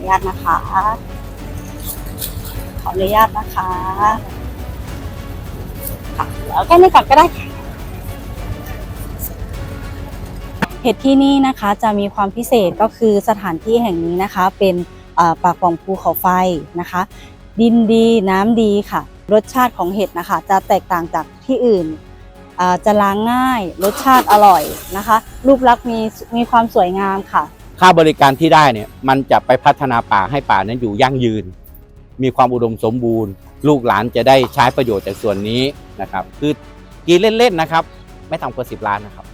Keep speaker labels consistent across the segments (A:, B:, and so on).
A: นุญาตนะคะขออนุญาตนะคะค่ะแล้วแค่นี้ก่อนก็ได้ค่ะเห็ดที่นี่นะคะจะมีความพิเศษก็คือสถานที่แห่งนี้นะคะเป็นป่าป่องภูเขาไฟนะคะดินดีน้ำดีค่ะรสชาติของเห็ดนะคะจะแตกต่างจากที่อื่นจะล้างง่ายรสชาติอร่อยนะคะรูปลักษณ์มีความสวยงามค่ะ
B: ค่าบริการที่ได้เนี่ยมันจะไปพัฒนาป่าให้ป่านั้นอยู่ยั่งยืนมีความอุดมสมบูรณ์ลูกหลานจะได้ใช้ประโยชน์จากส่วนนี้นะครับคือกินเล่นๆนะครับไม่ต่ำกว่า10 ล้านนะครับ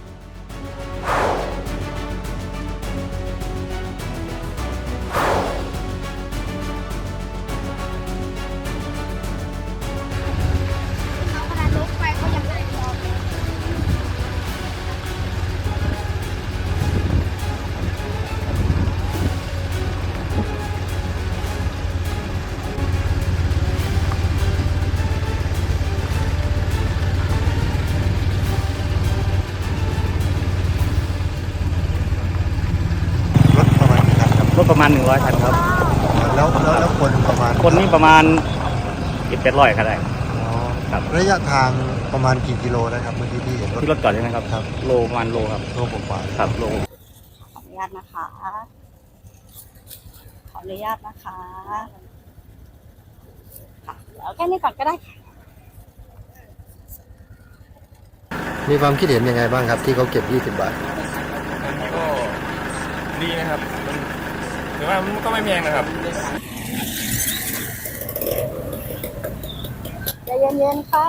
C: รถประมาณ100 คันครับ
D: แล้วคนประมาณ
C: คนนี้ประมาณ700 คันได้ครับ
D: ระยะทางประมาณกี่กิโลนะครับเมื่อกี้ที่เห็น
C: ที่รถจอดใช่ไหมครับ
D: ครับ
C: โลประมาณโลครับ
D: โลกว่า
C: ครับโล
A: ขออนุญาตนะคะขออนุญาตนะคะค่ะแล้วแค่นี้ก่อนก็ได้ค่ะ
D: มีความคิดเห็นยังไงบ้างครับที่เขาเก็บ20 บาท
E: ก็ดีนะครับถือว่ามันก็ไม่แพงนะครับ
A: ใจเย็นๆค่ะ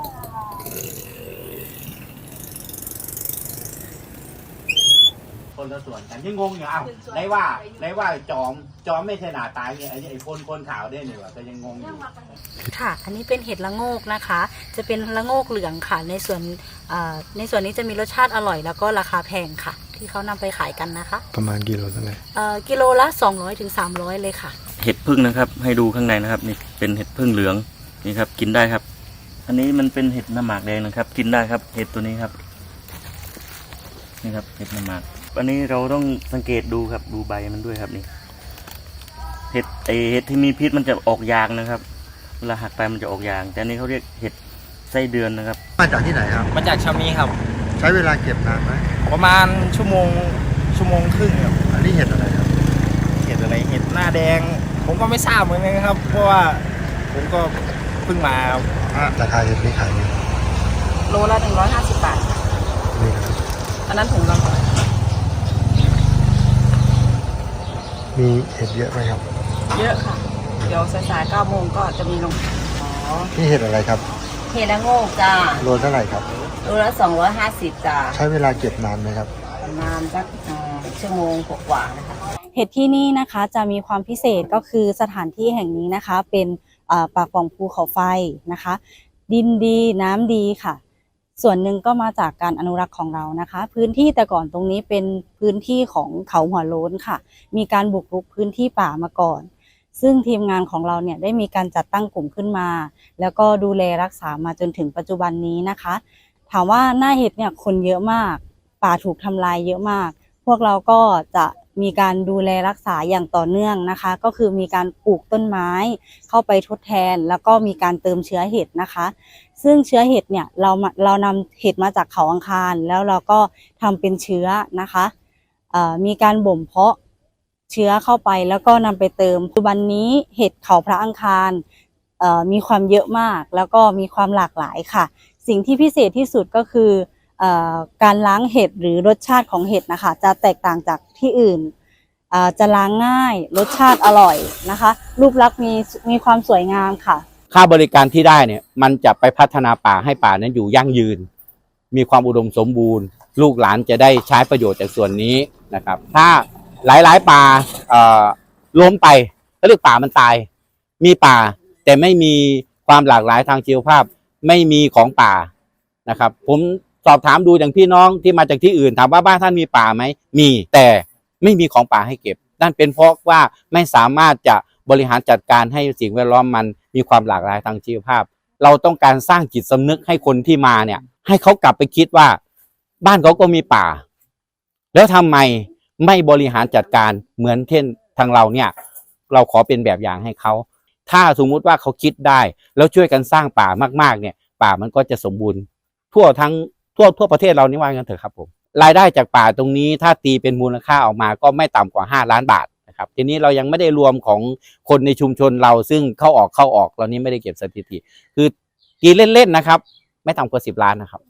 B: คนละส่วนกันยังงงอยู่ได้ว่าจอมไม่ใช่หน้าตายไงไอ้คนขาวได้เนี่ยว่าก็ยังงงอยู่
A: ค่ะอันนี้เป็นเห็ดละโงกนะคะจะเป็นละโงกเหลืองค่ะในส่วนนี้จะมีรสชาติอร่อยแล้วก็ราคาแพงค่ะที่เขานำไปขายกันนะคะ
D: ประมาณกิโลเท่าไหร่
A: กิโลละ200 ถึง 300เลยค่ะ
C: เห็ดพึ่งนะครับให้ดูข้างในนะครับนี่เป็นเห็ดพึ่งเหลืองนี่ครับกินได้ครับอันนี้มันเป็นเห็ดน้ำหมากแดงนะครับกินได้ครับเห็ดตัวนี้ครับนี่ครับเห็ดน้ำหมากอันนี้เราต้องสังเกตดูครับดูใบมันด้วยครับนี่เห็ดที่มีพิษมันจะออกยางนะครับเวลาหักไปมันจะออกยางแต่อันนี้เขาเรียกเห็ดไส้เดือนนะครับ
D: มาจากที่ไหนครับ
E: มาจากชามีครับ
D: ใช้เวลาเก็บนานไหม
E: ประมาณชั่วโมงครึ่งครับ
D: อันนี้เห็ดอะไรครับ
E: เห็ดอะไรเห็ดหน้าแดงผมก็ไม่ทราบเหมือนกันครับเพราะว่าผมก็เพิ่งมา
D: ราคาเห็ดนี่ขาย
A: โลละ150 บาท
D: นี่ครับ
A: อันนั้นถุงละเท่าไหร่
D: มีเห็ดเยอะไหมครับ
A: เยอะค่ะเดี๋ยวสาย9 โมงก็จะมีลง
D: นี่เห็ดอะไรครับ
A: เห็ดละโงกจ้า
D: โลเท่าไหร่ครับ
A: โลละ250จ้า
D: ใช้เวลาเก็บนานไหมครับ
A: ประมาณสักชั่วโมงกว่านะคะเห็ดที่นี่นะคะจะมีความพิเศษก็คือสถานที่แห่งนี้นะคะเป็นป่าป่องภูเขาไฟนะคะดินดีน้ำดีค่ะส่วนหนึ่งก็มาจากการอนุรักษ์ของเรานะคะพื้นที่แต่ก่อนตรงนี้เป็นพื้นที่ของเขาหัวโล้นค่ะมีการบุกรุกพื้นที่ป่ามาก่อนซึ่งทีมงานของเราเนี่ยได้มีการจัดตั้งกลุ่มขึ้นมาแล้วก็ดูแลรักษามาจนถึงปัจจุบันนี้นะคะถามว่าหน้าเห็ดเนี่ยคนเยอะมากป่าถูกทำลายเยอะมากพวกเราก็จะมีการดูแลรักษาอย่างต่อเนื่องนะคะก็คือมีการปลูกต้นไม้เข้าไปทดแทนแล้วก็มีการเติมเชื้อเห็ดนะคะซึ่งเชื้อเห็ดเนี่ยเรานำเห็ดมาจากเขาอังคารแล้วเราก็ทำเป็นเชื้อนะคะมีการบ่มเพาะเชื้อเข้าไปแล้วก็นำไปเติมปัจจุบันนี้เห็ดเขาพระอังคารมีความเยอะมากแล้วก็มีความหลากหลายค่ะสิ่งที่พิเศษที่สุดก็คือการล้างเห็ดหรือรสชาติของเห็ดนะคะจะแตกต่างจากที่อื่นจะล้างง่ายรสชาติอร่อยนะคะรูปลักษณ์มีความสวยงามค่ะ
B: ค่าบริการที่ได้เนี่ยมันจะไปพัฒนาป่าให้ป่านั้นอยู่ยั่งยืนมีความอุดมสมบูรณ์ลูกหลานจะได้ใช้ประโยชน์จากส่วนนี้นะครับถ้าหลายป่าล้มไปก็เรียกป่ามันตายมีป่าแต่ไม่มีความหลากหลายทางชีวภาพไม่มีของป่านะครับผมสอบถามดูอย่างพี่น้องที่มาจากที่อื่นถามว่าบ้านท่านมีป่าไหมมีแต่ไม่มีของป่าให้เก็บนั่นเป็นเพราะว่าไม่สามารถจะบริหารจัดการให้สิ่งแวดล้อมมันมีความหลากหลายทางชีวภาพเราต้องการสร้างจิตสำนึกให้คนที่มาเนี่ยให้เขากลับไปคิดว่าบ้านเขาก็มีป่าแล้วทำไมไม่บริหารจัดการเหมือนเช่นทางเราเนี่ยเราขอเป็นแบบอย่างให้เขาถ้าสมมุติว่าเขาคิดได้แล้วช่วยกันสร้างป่ามากๆเนี่ยป่ามันก็จะสมบูรณ์ทั่วประเทศเรานี่ว่ากันเถอะครับผมรายได้จากป่าตรงนี้ถ้าตีเป็นมูลค่าออกมาก็ไม่ต่ำกว่า5 ล้านบาทนะครับทีนี้เรายังไม่ได้รวมของคนในชุมชนเราซึ่งเข้าออกเรานี้ไม่ได้เก็บสถิติคือตีเล่นๆนะครับไม่ต่ำกว่า10 ล้านนะครับ